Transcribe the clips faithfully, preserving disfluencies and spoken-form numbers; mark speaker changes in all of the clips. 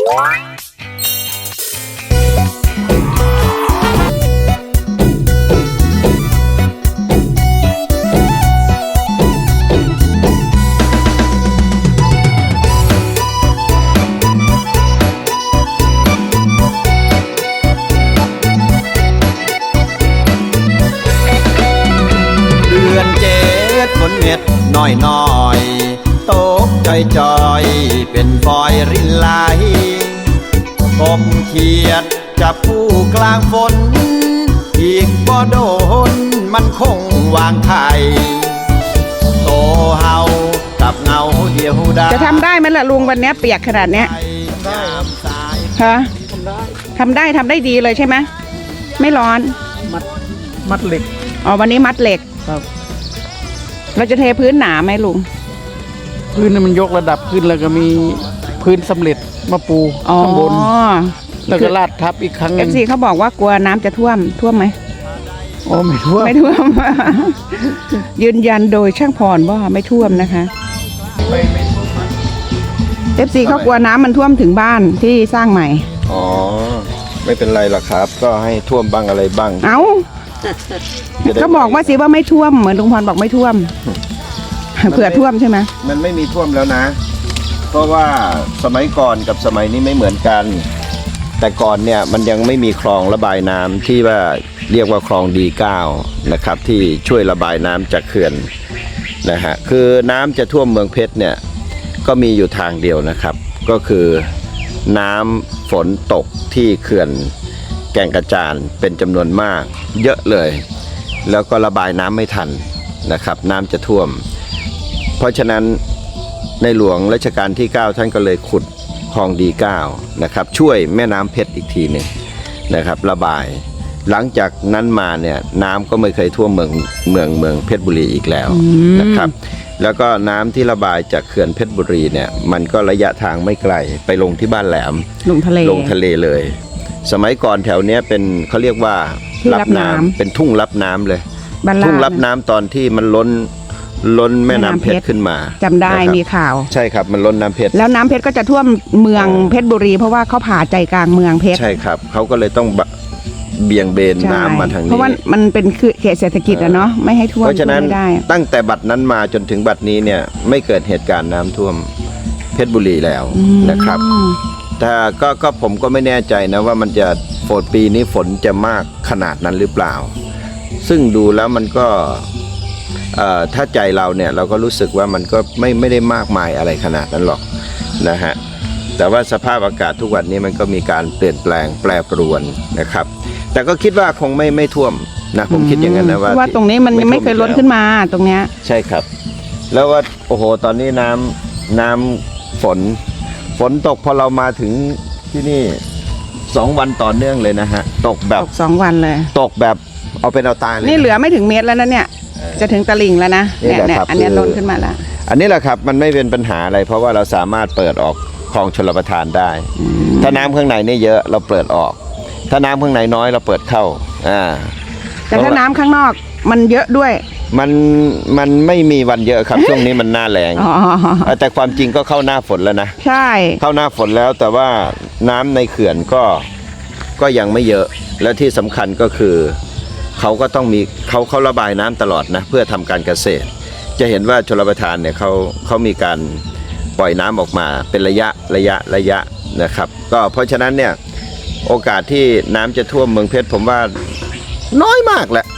Speaker 1: ฝนเม็ดน้อยน้อยตกจอยจอยเป็นฟอยรินไหลกบเขียดจับผู้กลางฝนอีกบ่โดนมันคงวางไข่โตเฮากับเงาเดียวดายจะทำได้ไหมล่ะลุงวันนี้เปียกขนาดเนี้ยได้ฮะทำได้ทำได้ดีเลยใช่ไหมไม่ร้อนมัดมัดเหล็กอ๋อวันนี้มัดเหล็กครับเราจะเทพื้นหนาไหมลุงพื้นมันยกระดับขึ้นแล้วก็มีพื้นสำเร็จมาปูข้างบนแล้วก็ลาดทับอีกครั้งนึง เอฟ ซี เขาบอกว่ากลัวน้ำจะท่วมท่วมไหมอ๋อไม่ท่วมไม่ท่วม ยืนยันโดยช่างพรว่าไม่ท่วมนะคะไม่ไม่ท่วม เอฟ ซี เขากลัวน้ำมันท่วมถึงบ้านที่สร้างใหม่อ๋อไม่เป็นไรหรอกครับก็ให้ท่วมบ้างอะไรบ้างเอ้าเขาบอกว่าสิว่าไม่ท่วมเหมือนลุงพรบอกไม่ท่วมเผื่อท่วมใช่ไหมมันไม่มีท่วมแล้วนะเพราะว่าสมัยก่อนกับสมัยนี้ไม่เหมือนกันแต่ก่อนเนี่ยมันยังไม่มีคลองระบายน้ำที่ว่าเรียกว่าคลองดีเก้านะครับที่ช่วยระบายน้ำจากเขื่อนนะฮะคือน้ำจะท่วมเมืองเพชรเนี่ยก็มีอยู่ทางเดียวนะครับก็คือน้ำฝนตกที่เขื่อนแก่งกระจานเป็นจำนวนมากเยอะเลยแล้วก็ระบายน้ำไม่ทันนะครับน้ำจะท่วมเพราะฉะนั้นในหลวงรัชกาลที่เก้าท่านก็เลยขุดคลองดีเก้านะครับช่วยแม่น้ำเพชรอีกทีหนึ่งนะครับระบายหลังจากนั้นมาเนี่ยน้ำก็ไม่เคยท่วมเมืองเมืองเมืองเพชรบุรีอีกแล้วนะครับแล้วก็น้ำที่ระบายจากเขื่อนเพชรบุรีเนี่ยมันก็ระยะทางไม่ไกลไปลงที่บ้านแหลมลงทะเลลงทะเลเลยสมัยก่อนแถวนี้เป็นเขาเรียกว่ารับน้ำเป็นทุ่งรับน้ำเลยทุ่งรับน้ำตอนที่มันล้นล้นแม่น้ำเพชรขึ้นมาจำได้มีข่าวใช่ครับมันล้นน้ำเพชรแล้วน้ำเพชรก็จะท่วมเมืองเพชรบุรีเพราะว่าเขาผ่าใจกลางเมืองเพชรใช่ครับเขาก็เลยต้องเบี่ยงเบนน้ำมาทางนี้เพราะว่ามันเป็นเขตเศรษฐกิจอะเนาะไม่ให้ท่วมเพราะฉะนั้นตั้งแต่บัดนั้นมาจนถึงบัดนี้เนี่ยไม่เกิดเหตุการณ์น้ำท่วมเพชรบุรีแล้วนะครับแต่ก็ก็ผมก็ไม่แน่ใจนะว่ามันจะฝนปีนี้ฝนจะมากขนาดนั้นหรือเปล่าซึ่งดูแล้วมันก็ถ้าใจเราเนี่ยเราก็รู้สึกว่ามันก็ไม่ไม่ได้มากมายอะไรขนาดนั้นหรอกนะฮะแต่ว่าสภาพอากาศทุกวันนี้มันก็มีการเปลี่ยนแปลงแปรปรวนนะครับแต่ก็คิดว่าคงไม่ไม่ท่วมนะผมคิดอย่างนั้นนะว่าว่าตรงนี้มันยังไม่เคยล้นขึ้นมาตรงเนี้ยใช่ครับแล้วว่าโอ้โหตอนนี้น้ำน้ำฝนฝนตกพอเรามาถึงที่นี่สองวันต่อเนื่องเลยนะฮะตกแบบสองวันเลยตกแบบเอาเป็นเอาตายเลยนี่เหลือไม่ถึงเมตรแล้วนะเนี่ยจะถึงตลิ่งแล้วนะเนี่ยเนี่ยอันนี้ล้นขึ้นมาแล้วอันนี้แหละครับมันไม่เป็นปัญหาอะไรเพราะว่าเราสามารถเปิดออกคลองชลประทานได้ถ้าน้ำข้างในนี่เยอะเราเปิดออกถ้าน้ำข้างในน้อยเราเปิดเข้าอ่าแต่ถ้าน้ำข้างนอกมันเยอะด้วยมันมันไม่มีวันเยอะครับ ช่วงนี้มันหน้าแรงแต่ความจริงก็เข้าหน้าฝนแล้วนะใช่เข้าหน้าฝนแล้วแต่ว่าน้ำในเขื่อนก็ก็ยังไม่เยอะและที่สำคัญก็คือเขาก็ต้องมีเขาเขาระบายน้ำตลอดนะเพื่อทำการเกษตรจะเห็นว่าชลประทานเนี่ยเขาเขามีการปล่อยน้ำออกมาเป็นระยะระยะระยะนะครับก็เพราะฉะนั้นเนี่ยโอกาสที่น้ำจะท่วมเมืองเพชรผมว่าน้อยมากแหละ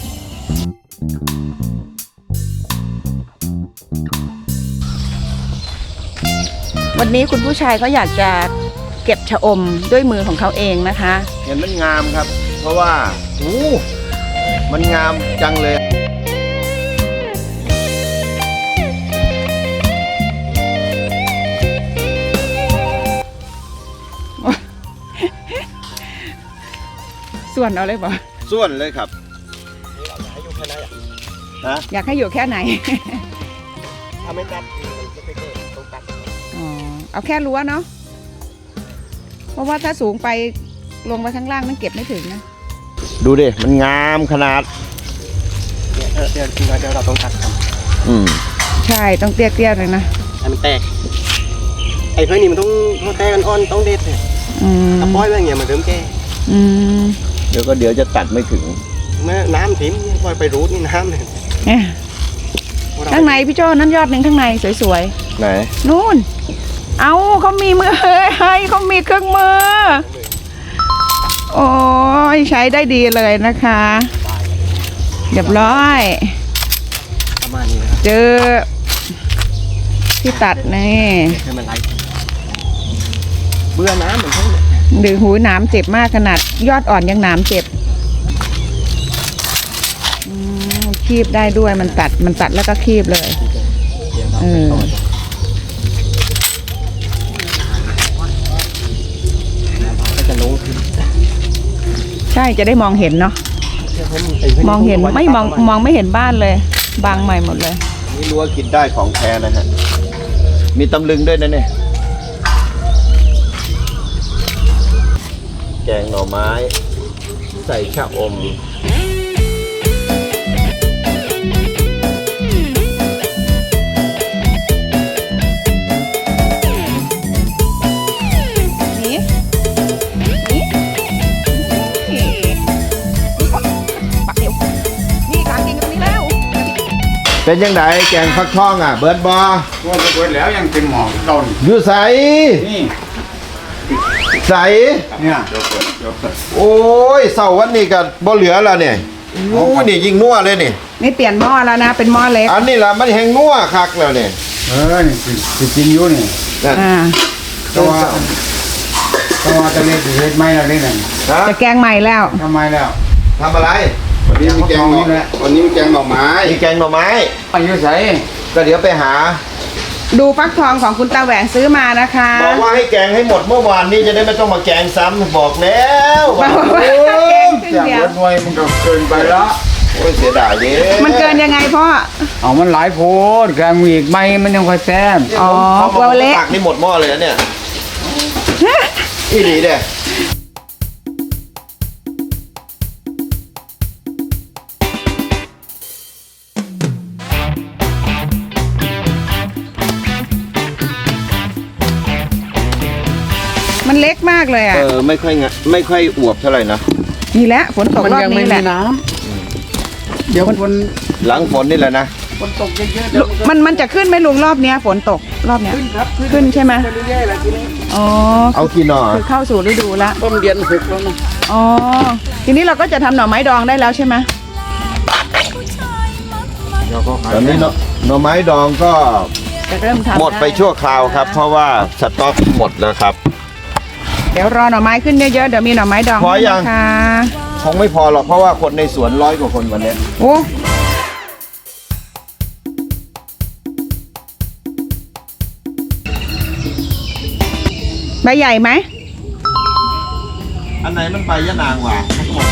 Speaker 1: วันนี้คุณผู้ชายเขาอยากจะเก็บชะอมด้วยมือของเขาเองนะคะเห็นมันงามครับเพราะว่าโอ้มันงามจังเลยส่วนเอาเลยบ่ส่วนเลยครับอยากให้อยู่แค่ไหนถ้าไม่ตัดจะไปเกิดต้องตัดอ๋อเอาแค่รั้วเนาะเพราะว่าถ้าสูงไปลงมาข้างล่างนั่นเก็บไม่ถึงนะดูดิมันงามขนาดเดี๋ยวเดี๋ยวเดี๋ยวเราต้องตัดครับอืมใช่ต้องเตี้ยๆเลยนะให้มันแตก
Speaker 2: ไอ้เพื่อนนี่มันต้องต้องแก้กันอ่อนต้องเด็ดเนี่ย
Speaker 3: อืม
Speaker 2: ถ้าปล่อยไว้อย่างเงี้ยมันเริ่มแก่
Speaker 3: อืม
Speaker 1: เดี๋ยวก็เดี๋ยวจะตัดไม่ถึง
Speaker 2: เมื่อน้ำทิ้มเนี่ยปล่อยไปรูดนี่น้ำเนี่ย
Speaker 3: เนี่ยข้างในพี่โจ้นั่นยอดหนึ่งข้างในสวย
Speaker 1: ไหน
Speaker 3: ๆนู่นเอาเขามีมือให้เขามีเครื่องมือโอ้ยใช้ได้ดีเลยนะคะเรียบร้อย
Speaker 2: ประมาณนี้นะครับ
Speaker 3: เจอที่ตัดนี่
Speaker 2: ให้มันไหลเบื่อน้ำเหมือนเขาเนี่ย
Speaker 3: หรือหูหนามเจ็บมากขนาดยอดอ่อนยังหนามเจ็บอืมคีบได้ด้วยมันตัดมันตัดแล้วก็คีบเลยเออ
Speaker 2: ก็จะลงขึ้น
Speaker 3: ใช่จะได้มองเห็นเนาะมองเห็นไม่มองมองไม่เห็นบ้านเลยบางใหม่หมดเลย
Speaker 1: นี่รู้ว่ากินได้ของแท้นะฮะ มีตำลึงด้วยนะเนี่ย แกงหน่อไม้ ใส่ชะอม
Speaker 3: นี่นี่นี่ปักเดียวนี่กลางกินกันตรงนี้แล้ว
Speaker 1: เป็นยังไงแกงฟักทองอ่ะ เบิร์ดบอ
Speaker 4: ว่าจะเปิดแล้วยังเป็นหมอต้น
Speaker 1: อยู่ใส
Speaker 4: นี่
Speaker 1: ใส
Speaker 4: เนี่ยเดี๋ยวเปิดเดี๋ยวเปิด
Speaker 1: โอ้ยเสาร์วันนี้ก็บ่เหลือแล้วเนี่ยโอ้ยนี่ยิงนัวเลยนี่
Speaker 3: นี่เปลี่ยนหม้อแล้วนะเป็นหม้อเล็ก
Speaker 1: อันนี้ล่ะมันแหงนัวคักแล้วเนี่ย
Speaker 4: เออนี่สิสิกินอยู่นี่
Speaker 1: นั่น
Speaker 3: อ่า
Speaker 4: แต่ว่าแต่ว่าจะเล่นเฮ็ดไม่ละเล่นนั่น
Speaker 1: ฮะ
Speaker 3: จะแกงใหม่แล้ว
Speaker 4: ทำไมแล้ว
Speaker 1: ทำอะไร
Speaker 4: วันนี้มีแกงหน่อวันนี้มีแกงหน่อไม้
Speaker 1: มีแกงหน่อไม้
Speaker 4: อายุใส่
Speaker 1: ก็เดี๋ยวไปหา
Speaker 3: ดูฟักทองของคุณตาแหวงซื้อมานะคะ
Speaker 1: บอกว่าให้แกงให้หมดเมื่อวานนี้จะได้ไม่ต้องมาแกงซ้ำบอกแล้ว
Speaker 3: บอกว่า
Speaker 1: โอ้
Speaker 3: แก
Speaker 1: ย
Speaker 3: งครึ่ง
Speaker 4: อย่าง
Speaker 3: เดียว
Speaker 4: เบิดหน่วยมันก็เกินไปแล้ว
Speaker 1: โอ้ยเสียดายเด้
Speaker 3: มันเกินยังไงพ่อ
Speaker 4: เอามันหลายโพดแกงมีอีกไหมมันยังค่อยแซ่บ
Speaker 3: อ๋อ
Speaker 1: เขา
Speaker 3: กลัวเละ
Speaker 1: ตักนี่หมดหม้อเลยนะเนี่ยอีหลีเด้
Speaker 3: มันเล็กมากเลย
Speaker 1: เอ
Speaker 3: อ่ะ
Speaker 1: อไม่ค่อยงะไม่ค่อยอวบเท่าไหร่นะ
Speaker 3: นี่แหละฝนตก
Speaker 4: มัน
Speaker 3: รอบ
Speaker 4: ยังไม่
Speaker 3: นี้แห
Speaker 4: มี
Speaker 3: ละ
Speaker 4: น้ำเดี๋ยวคน
Speaker 1: หลังฝนนี่แหละนะ
Speaker 4: คนตกเยอะๆเดี๋ยว
Speaker 3: มันมันจะขึ้นไหมลุงรอบเนี้ยฝนตกรอบเนี้ย
Speaker 4: ขึ้นครับ
Speaker 3: ขึ้นใช่ไหม
Speaker 4: ไปเรื่อยๆแล้วทีนี้
Speaker 3: อ๋อ
Speaker 1: เอากี่หน่อ
Speaker 3: คือเข้าสู่ฤดูละ
Speaker 4: ต้นเดือนหกแล้วนะ
Speaker 3: อ๋อทีนี้เราก็จะทำหน่อไม้ดองได้แล้วใช่ไหม
Speaker 4: เดี๋ยวก็ขาย
Speaker 1: ตอนนี้เนาะหน่อไม้ดองก็
Speaker 3: จะเริ่มทำ
Speaker 1: หมดไป
Speaker 3: ด้
Speaker 1: ชั่วคราวครับ เพราะว่าสต็อกหมดแล้วครับ
Speaker 3: เดี๋ยวรอหน่อไม้ขึ้นเยอะๆเดี๋ยวมีหน่อไม้ดอง
Speaker 1: พอยัง
Speaker 3: นะคะ
Speaker 1: คงไม่พอหรอกเพราะว่าคนในสวนร้อยกว่าคนวันนี้
Speaker 3: โอ้ใบใหญ่ไหม
Speaker 1: อันไหนมันใบยะนางวะ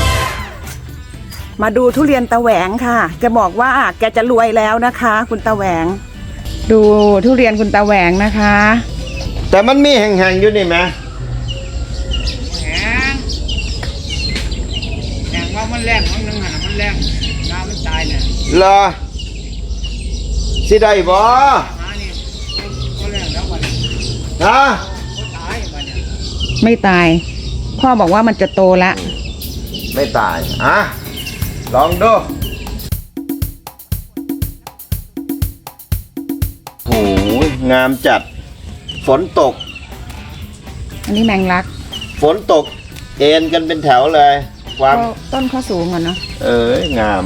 Speaker 3: มาดูทุเรียนตะแหวงค่ะจะบอกว่าแกจะรวยแล้วนะคะ คุณตะแหวง ดูทุเรียนคุณตะแหวงนะคะ
Speaker 1: แต่มันมีแห่งๆอยู่นี่ไหม
Speaker 4: อย่างว่ามันแรงมันนึงหันมันแรงน้ำมันตายเนี่ย
Speaker 1: เหรอสิได้บ่
Speaker 4: มานี่ก็แรงแล้ววันนี้
Speaker 1: ฮะ
Speaker 4: ก็ตายวันนี้
Speaker 3: ไม่ตาย พ่อบอกว่ามันจะโตละ
Speaker 1: ไม่ตายอ่ะลองดูโอ้ยงามจัด ฝนตก
Speaker 3: อันนี้แมงลัก
Speaker 1: ฝนตก เอ็นกันเป็นแถวเลย ความ
Speaker 3: ก็ต้นข้อสูงอ่ะเนาะ
Speaker 1: เอ้ยงาม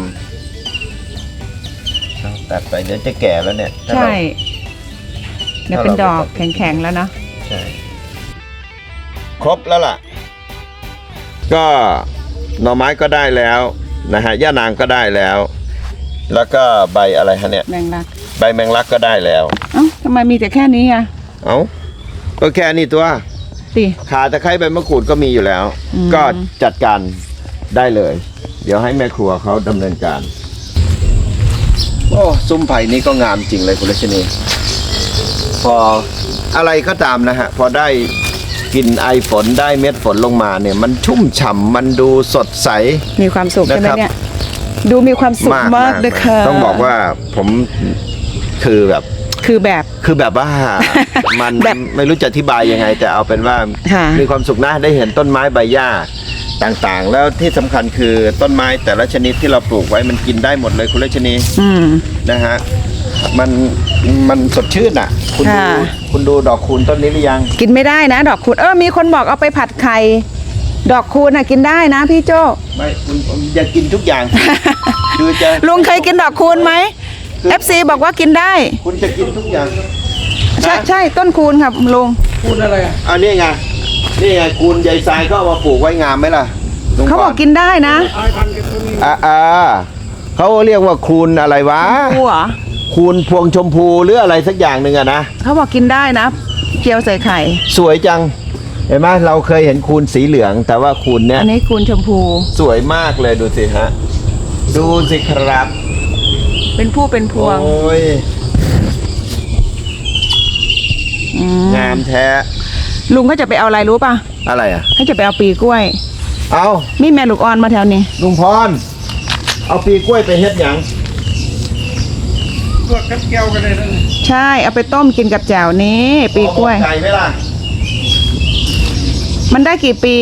Speaker 1: ต้องตัดไปเดี๋ยวจะแก่แล้วเนี่ยถ้า
Speaker 3: ใช่
Speaker 1: เรา
Speaker 3: เดี๋ยวเป็นดอกแข็งๆแล้วเนาะ
Speaker 1: ใช่ครบแล้วล่ะ ก็หน่อไม้ก็ได้แล้วนะฮะย่านางก็ได้แล้ว แล้วก็ใบอะไรฮะเนี่ย
Speaker 3: แมงลัก
Speaker 1: ใบแมงลักก็ได้แล้ว
Speaker 3: เอ้าทำไมมีแต่แค่นี้อ่ะ
Speaker 1: เอ้าก็แค่นี้ตัว
Speaker 3: ติ
Speaker 1: ขาตะไคร้ใบมะกรูดก็มีอยู่แล้ว
Speaker 3: อืม
Speaker 1: ก็จัดการได้เลย เดี๋ยวให้แม่ครัวเขาดำเนินการ โอ้ซุ้มไผ่นี้ก็งามจริงเลยคุณรัชนีพออะไรก็ตามนะฮะ พอได้กลิ่นไอฝนได้เม็ดฝนลงมาเนี่ย มันชุ่มฉ่ำมันดูสดใส
Speaker 3: มีความสุขใช่ไหม
Speaker 1: นะครับ
Speaker 3: เนี่ย ดูมีความสุข
Speaker 1: มาก
Speaker 3: มากเลยค่ะ
Speaker 1: ต้องบอกว่าผมคือแบบ
Speaker 3: คือแบบ
Speaker 1: คือแบบว่า มัน
Speaker 3: แบบ
Speaker 1: ไม่รู้จะอธิบายยังไง แต่เอาเป็นว่า
Speaker 3: ค่ะ
Speaker 1: มีความสุขนะได้เห็นต้นไม้ใบหญ้าต่างๆ แล้วที่สำคัญคือต้นไม้แต่ละชนิดที่เราปลูกไว้มันกินได้หมดเลยคุณรัชนี
Speaker 3: อืม
Speaker 1: นะฮะมันมันสดชื่นอ่ะ คุณดู
Speaker 3: ค่ะ
Speaker 1: คุณดูดอกคูณต้นนี้หรือยัง
Speaker 3: กินไม่ได้นะ ดอกคูณเออมีคนบอกเอาไปผัดไข่ดอกคูณน่ะกินได้นะพี่โจ้
Speaker 1: ไม่คุณคุณอย่ากินทุกอย่าง คือจะ
Speaker 3: ลุงเคยกินดอกคูณไหม เอฟ ซี บอกว่ากินได้
Speaker 1: คุณจะกินทุกอย่าง
Speaker 3: ใช่ใช่ต้นคูณครับลุง
Speaker 4: พูดอะไรอ่ะ
Speaker 1: อันนี้ไงนี่ไงคูณใยทรายก็เอามาปลูกไว้งามไหมล่ะลุง
Speaker 3: เขาบอกกินได้นะ
Speaker 4: ไอ้พันกับตัวนี้
Speaker 1: อ่าอ่าเขาเรียกว่าคูณอะไรวะ
Speaker 3: คูเหรอ
Speaker 1: คูณพวงชมพูหรืออะไรสักอย่างหนึ่งอะนะ
Speaker 3: เขาบอกกินได้นะเจียวใส่ไข่
Speaker 1: สวยจัง เห็นไหมเราเคยเห็นคูณสีเหลือง แต่ว่าคูณเนี้ย
Speaker 3: อันนี้คูณชมพู
Speaker 1: สวยมากเลยดูสิฮะ ดูสิครับ
Speaker 3: เป็นผู้เป็นพวง
Speaker 1: โอ้ย
Speaker 3: อืม
Speaker 1: งามแท้
Speaker 3: ลุงเขาจะไปเอาอะไรรู้ป่ะ
Speaker 1: อะไรอ่ะ
Speaker 3: เขาจะไปเอาปีกล้วย
Speaker 1: เอา
Speaker 3: มีแม่ลูกอ่อนมาแถวนี้
Speaker 1: ลุงพร เอาปีกล้วยไปเฮ็ดหยัง
Speaker 4: พวกกับแก้วกันเลยนั่น
Speaker 3: ใช่เอาไปต้มกินกับแจ่วนี้ ปีกล้วย
Speaker 1: ไก่ไหมล่ะ
Speaker 3: มันได้กี่ปี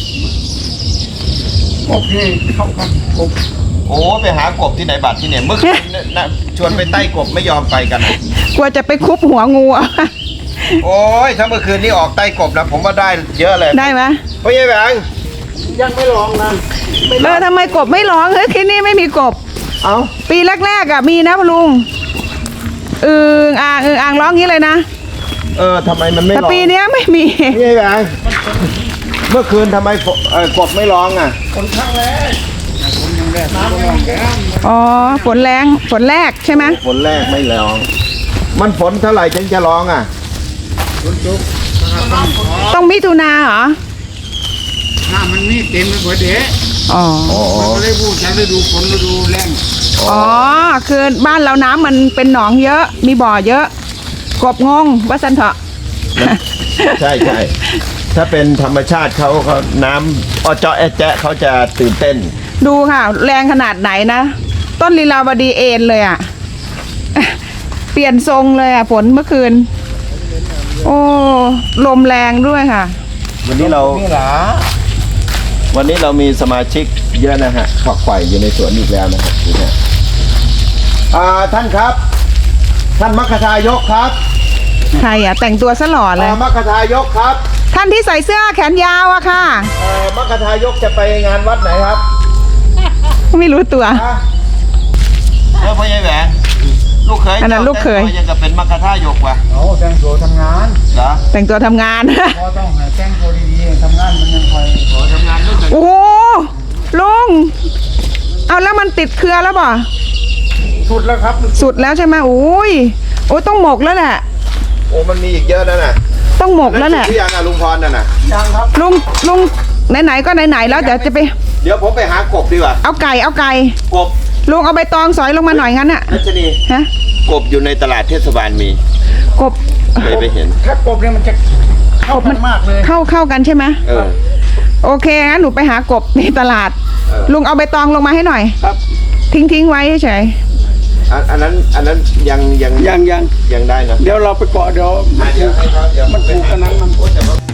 Speaker 4: โอเคเข้ากันผม
Speaker 1: โอ้ไปหากบที่ไหนบัตรที่เนี่ยเมื่อคืนน่ะน่ะชวนไปใต้กบไม่ยอมไปกันอะ
Speaker 3: กลัวจะไปคุบหัวงูอะ
Speaker 1: โอ้ยถ้าเมื่อคืนนี้ออกใต้กบนะผมว่าได้เยอะเลย
Speaker 3: ได้ไหม
Speaker 1: เพราะยัยแบง
Speaker 4: ยังไม่ลองนะ
Speaker 3: เออทำไมกบไม่ร้องเฮ้ยที่นี่ไม่มีกบ
Speaker 1: เอา
Speaker 3: ปีแรกๆอ่ะมีนะพะลุงอึงอ่างอึงอ่างร้องงี้เลยนะ
Speaker 1: เออทำไมมันไม่
Speaker 3: แต่
Speaker 1: ร้อง
Speaker 3: ปีเนี้ยไม่มี
Speaker 1: พี่ยัยแบงเมื่อคืนทำไมฝเอ่อกบไม่ร้องอ่ะ
Speaker 4: คนข้างแรกผมยังแรกน้ำยังแก้ม
Speaker 3: อ๋อฝนแรงฝนแรกใช่ไหม
Speaker 1: ฝนแรกไม่ร้อง มันฝนเท่าไหร่ถึงจะร้องอ่ะ
Speaker 4: คนจุกน้ำขอ
Speaker 3: ต้องมิถุนาเหรอ
Speaker 4: น้ำมันนี่เต็มไปหมดเด้
Speaker 3: อ๋อ
Speaker 4: มันก็เลยพูดฉันฤดูฝนฤดูแรง
Speaker 3: อ๋อคือบ้านเราน้ำมันเป็นหนองเยอะ มีบ่อเยอะ กบงงว่าสันเถอะ
Speaker 1: ใช่ใช่ถ้าเป็นธรรมชาติเขาเขาน้ำอ้อเจาะแอะแจ๊ะเขาจะตื่นเต้น
Speaker 3: ดูค่ะ แรงขนาดไหนนะ ต้นลีลาวดีเอ็นเลยอ่ะ เปลี่ยนทรงเลยอ่ะฝนเมื่อคืน โอ้ลมแรงด้วยค่ะ
Speaker 1: วันนี้เรา
Speaker 4: นี่หรอ
Speaker 1: วันนี้เรามีสมาชิกเยอะนะฮะฝักใฝ่อยู่ในสวนอีกแล้วนะฮะนี่ฮะอ่าท่านครับ ท่านมัคคทายกครับ
Speaker 3: ใครอ่ะแต่งตัวซะหล่อเลย
Speaker 1: อ่ามัคคทายกครับ
Speaker 3: ท่านที่ใส่เสื้อแขนยาวอะค่ะ
Speaker 1: เอ่อมัคคทายกจะไปงานวัดไหนครับ
Speaker 3: ไม่รู้ตัว
Speaker 1: ฮะเออพ่อใหญ่แหวนลูกเขย
Speaker 3: อันนั้นลูกเขย
Speaker 1: จ้าแต่งตัวยังกับเป็นมัคคทายกว่ะ
Speaker 4: เอาแต่งตัวทำงาน
Speaker 1: เหรอ
Speaker 3: แต่งตัวทำงาน
Speaker 4: พอต้องให้แต่งตัวดีๆทำงานมันยังคอย
Speaker 1: โอ้ทำงานลูกเขย
Speaker 3: โอ้โหลุง เอาแล้วมันติดเครือแล้วบ่
Speaker 4: สุดแล้วครับ
Speaker 3: สุดแล้วใช่ไหมอุ้ยโอ้ยต้องหมกแล้วแหละ
Speaker 1: โอ้มันมีอีกเยอะนะน่ะ
Speaker 3: ต้องหมกแล้วแหละ
Speaker 1: นั่นคือยังอ่ะลุงพรน่ะน่ะ
Speaker 4: ยังครับ
Speaker 3: ลุงลุงไหนๆก็ไหนๆแล้วเดี๋ยวจะไป
Speaker 1: เดี๋ยวผมไปหากบดีกว่า
Speaker 3: เอาไก่เอาไก่
Speaker 1: กบ
Speaker 3: ลุงเอาใบตองสอยลงมาหน่อยงั้นอะ
Speaker 1: รัชนี
Speaker 3: ฮะ
Speaker 1: กบอยู่ในตลาดเทศบาลมี
Speaker 3: กบ
Speaker 1: เคยไปเห็น
Speaker 4: ถ้ากบเนี่ยมันจะเข้ากันมากเลย
Speaker 3: เข้าเข้ากันใช่ไหม
Speaker 1: เออ
Speaker 3: โอเคงั้นหนูไปหากบในตลาด
Speaker 1: เออ
Speaker 3: ลุงเอาใบตองลงมาให้หน่อย
Speaker 4: ครับ
Speaker 3: ทิ้งทิ้งไว้เฉย
Speaker 1: อันอันนั้นอันนั้นยังยัง
Speaker 4: ยังยัง
Speaker 1: ยังได้นะ
Speaker 4: เดี๋ยวเราไปเกาะเดี๋ยว
Speaker 1: อ่ะเดี๋ยวให้เขาเดี๋ยว
Speaker 4: มันถูกกันนั้นมัน
Speaker 1: โอ้แต่ว่า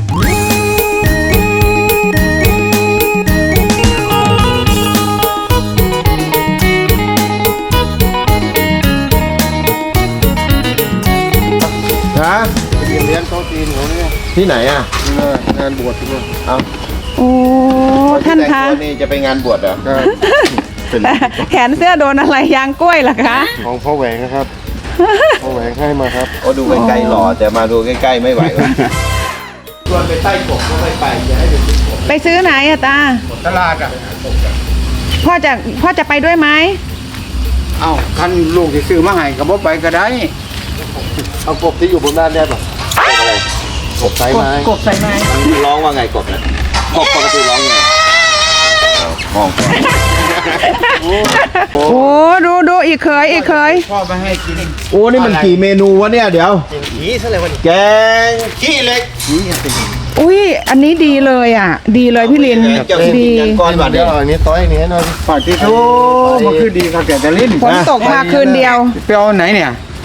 Speaker 1: ฮะ
Speaker 4: เลี้ยงโต๊ะจีนของเนี่ย
Speaker 1: ที่ไหนอ่ะ
Speaker 4: งานบวชที่นี่
Speaker 1: เอา
Speaker 3: ๆโอ้ท่าน
Speaker 1: แต่ง
Speaker 3: คะ
Speaker 1: ตัวนี่จะไปงานบวชเหรอเป็น
Speaker 3: แขนเสื้อโดนอะไรยางกล้วยเหรอคะ
Speaker 4: ของพ่อแหวงนะครับ พ่อแหวงให้มาครับ
Speaker 1: โอ้ดูใกล้ๆหล่อแต่มาดูใกล้ๆไม่ไหวว่ะชวนไปใต้กบก็ไม่ไปจะให้ไปซื้อกบ
Speaker 3: ไปซื้อไหนอะตา
Speaker 4: ตลาดอ่ะ
Speaker 3: พ่อจะพ่อจะไปด้วยไหม
Speaker 4: เอ้าท่านลูกที่ซื้อมาให้กับบ่ไปก็ได้
Speaker 1: เอากบที่อยู่บนบ้านได้ป่ะกบอะไรกบไซไม้
Speaker 3: กบใส่ไม้
Speaker 1: มันร้องว่าไงกบนะกบปกติร้องไงเอามองก่อน
Speaker 3: โอ้ดูดูอีกเคยอีกเคย
Speaker 4: พ่อไปให้กิน
Speaker 1: โอ้นี่มันกี่เมนูวะเนี่ยเดี๋ยว
Speaker 4: ขี้ซะเลยวัน
Speaker 1: แกงขี้เหล็ก
Speaker 4: ขี้สิ
Speaker 3: อุ้ยอันนี้ดีเลยอ่ะ ดีเลยพี่ลิน
Speaker 1: เจ้าสิ
Speaker 3: ดี
Speaker 1: ยังก้อนบาด
Speaker 4: เดี๋
Speaker 1: เดี
Speaker 4: ย
Speaker 1: ยว ว
Speaker 4: อันนี้ต้อยนี้หน่อยฝาดที่โถมันคือดีครับแกจะลิ้น
Speaker 3: ฝนตกมาคืนเดียว
Speaker 4: ไปเอาไหนเนี่ย
Speaker 1: ก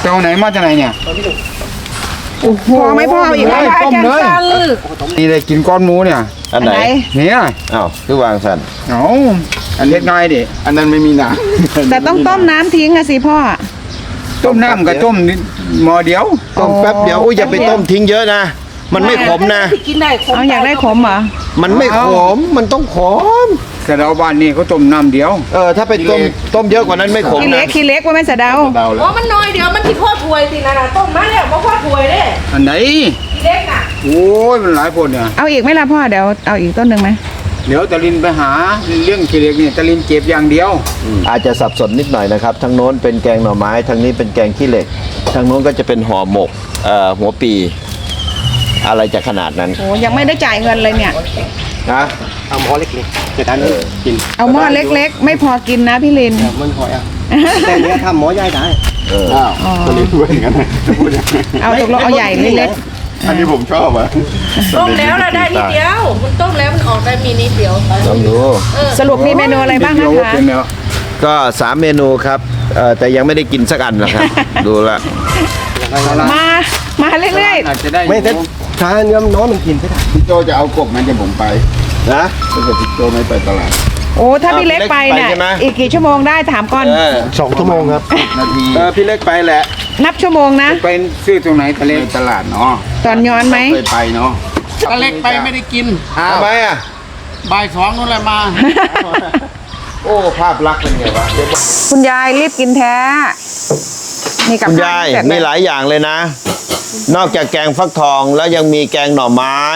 Speaker 4: เจ้าไหนมาจากไหนเนี่ย
Speaker 3: พอไหมพ่ออีกไหม
Speaker 4: ต้มเลยนี่เลยกินก้อนหมูเนี่ย
Speaker 1: อันไหน
Speaker 4: เนี่ย
Speaker 1: อ้าวคือวางสัน
Speaker 4: เอาอันเล็กน้อยดิอันนั้นไม่มีน้
Speaker 3: แต่ต้องต้มน้ำทิ้งอะสิพ่อ
Speaker 4: ำต้มน้ำกับต้มนิดหม้อเดียว
Speaker 1: ต้มแป๊บเดียวอุ้ยอย่าไปต้มทิ้งเยอะนะมันไม่ขมนะ
Speaker 5: กินได้ขม
Speaker 3: เอาอยากได้ขมเหรอ
Speaker 1: มันไม่ขมมันต้องขม
Speaker 4: แต่เราบ้านนี่เขาต้มน้ำเดียว
Speaker 1: เออถ้าไปต้มต้มเยอะกว่านั้นไม่ขม
Speaker 3: ขี้เล็
Speaker 1: นะ
Speaker 3: กขี้เล็กว่าแม่สะเดา
Speaker 4: เดาแล้
Speaker 5: อ๋
Speaker 4: ว
Speaker 5: อมันน้อยเดียวมันที่พ่อถวยสินะนะต้มมาแล้วบ่พ่อถวยเด้
Speaker 4: อันไหน
Speaker 5: ทีเล็กน่ะ
Speaker 4: โอ้ยมันหลายคนเนี่ย
Speaker 3: เอาอีกไหมล่ะพ่อเดี๋ยวเอาอีกต้นหนึ่งไหม
Speaker 4: เดี๋ยวตะลินไปหาเรื่องขี้เหล็กเนี่ยตะลินเจ็บอย่างเดียว
Speaker 1: อาจจะสับสนนิดหน่อยนะครับทางโน้นเป็นแกงหน่อไม้ทางนี้เป็นแกงขี้เหล็กทางโน้นก็จะเป็นห่อหมกเอ่อหัวปี อะไรจะขนาดนั้น
Speaker 3: โอ้ยังไม่ได้จ่ายเงินเลยเนี่ย
Speaker 1: นะ
Speaker 2: เอาหม้อเล็กๆจะทานกิน
Speaker 3: เอาหม้อเล็กๆ ไม่พอกินนะพี่ลิน
Speaker 2: มันหอยอ่ะแต่เนี้ยทำหม้อใหญ่ได้
Speaker 1: เออ
Speaker 2: อ้าว
Speaker 3: อ๋อ
Speaker 2: ตอนนี้พูดอย่างนั้นนะพูดอย่างนั้น
Speaker 3: เอาตกลงเอาใหญ่หรือเล็ก
Speaker 2: อันนี้ผมชอบอ่ะ
Speaker 5: ต้มแล้วเราได้นิดเดียวมันต้มแล้วมันออกได้มีนิดเดียว
Speaker 1: ลองดู
Speaker 5: เออ
Speaker 3: สรุปมีเมนูอะไรบ้างนะคะ
Speaker 4: เป็นแล้ว
Speaker 1: ก็สามเมนูครับเอ่อแต่ยังไม่ได้กินสักอันนะครับ ดูละ
Speaker 3: มา มาเรื่อย
Speaker 4: อาจจะได้
Speaker 2: ไม่แต่ทานเนื้อน้องมันกินไม่ได้
Speaker 4: พี่โจจะเอากบมันจะผมไป
Speaker 1: นะ
Speaker 4: ถ้าเกิดพี่โจไม่ไปตลาด
Speaker 3: ๆ โอ้ถ้าพี่เล็กไปเนี่ย
Speaker 1: พี่เล็กไปใช่ไหม
Speaker 3: อีกกี่ชั่วโมงได้ถามก่อน
Speaker 1: เออ
Speaker 2: สองชั่วโมงครับ
Speaker 4: นาที
Speaker 1: เออพี่เล็กไปแหละ
Speaker 3: นับชั่วโมงนะ
Speaker 4: ไปซื้อตรงไหนทะเลตลาดเนาะ
Speaker 3: ตอนย้อนไหม
Speaker 4: เคยไปเนาะ
Speaker 6: ตะเล็กไปไม่ได้กิน
Speaker 1: ทำไมอ่ะ
Speaker 6: บ่ายสองนู่นแหละมา
Speaker 1: โอ้ภาพลักษณ์เป็นไงวะเดี๋ยวบอก
Speaker 3: คุณยายรีบกินแท้ นี่กับ
Speaker 1: คุณ
Speaker 3: ข้วย
Speaker 1: าย
Speaker 3: เสร็จ
Speaker 1: มีหลายอย่างเลยนะ นอกจากแกงฟักทองแล้วยังมีแกงหน่อไม้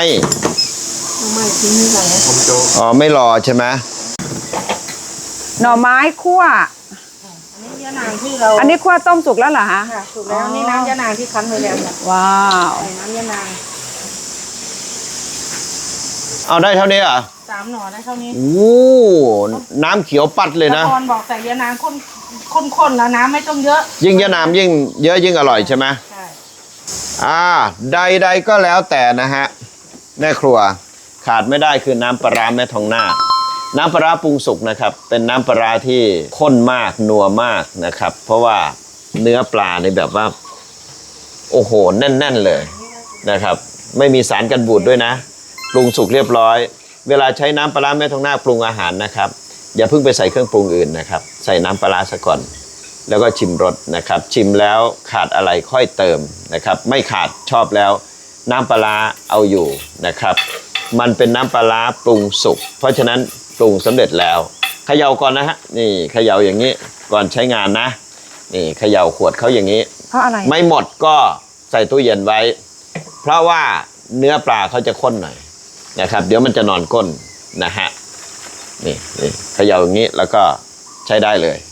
Speaker 1: อ๋อไม่รอใช่ไหม
Speaker 3: หน่อไม้คั่ว
Speaker 5: นี่ยานางที่เรา
Speaker 3: อันนี้คั่วต้มสุกแล้วเหรอฮะ
Speaker 5: ค่ะถูกแล้วนี่น้ำยานางที่คั้นไว้แล้วเนี่ย
Speaker 3: ว้าว
Speaker 5: ใส่น้ำยานาง
Speaker 1: เอาได้เท่านี้เหรอ่ะ
Speaker 5: สามหน่อได้เท่านี้
Speaker 1: โอ้น้ำเขียวปัดเลยนะ
Speaker 5: ตอนบอกใส่ยานางข้นข้นๆแล้วน้ำไม่ต้องเยอะ
Speaker 1: ยิ่งเยอะน้ำยิ่งเยอะยิ่งอร่อยใช่ไหม
Speaker 5: ใช่
Speaker 1: อ่าใดๆก็แล้วแต่นะฮะแม่ครัวขาดไม่ได้คือน้ำปลาร้าแม่ทองนาคน้ำปลาร้าปรุงสุกนะครับเป็นน้ำปลาร้าที่ข้นมากนัวมากนะครับ เพราะว่าเนื้อปลาในแบบว่าโอ้โหแน่นๆเลยนะครับไม่มีสารกันบูดด้วยนะปรุงสุกเรียบร้อย เวลาใช้น้ำปลาร้าแม่ทองนาคปรุงอาหารนะครับอย่าเพิ่งไปใส่เครื่องปรุงอื่นนะครับใส่น้ำปลาร้าซะก่อนแล้วก็ชิมรสนะครับชิมแล้วขาดอะไรค่อยเติมนะครับไม่ขาดชอบแล้วน้ำปลาร้าเอาอยู่นะครับมันเป็นน้ำปลาร้าปรุงสุกเพราะฉะนั้นปรุงสำเร็จแล้วเขย่าก่อนนะฮะนี่เขย่าอย่างนี้ก่อนใช้งานนะนี่เขย่าขวดเขาอย่างนี้
Speaker 3: เพราะอะไร
Speaker 1: ไม่หมดก็ใส่ตู้เย็นไว้ เพราะว่าเนื้อปลาเขาจะข้นหน่อยนะครับเดี๋ยวมันจะนอนก้นนะฮะนี่นี่เขย่าอย่างนี้แล้วก็ใช้ได้เลย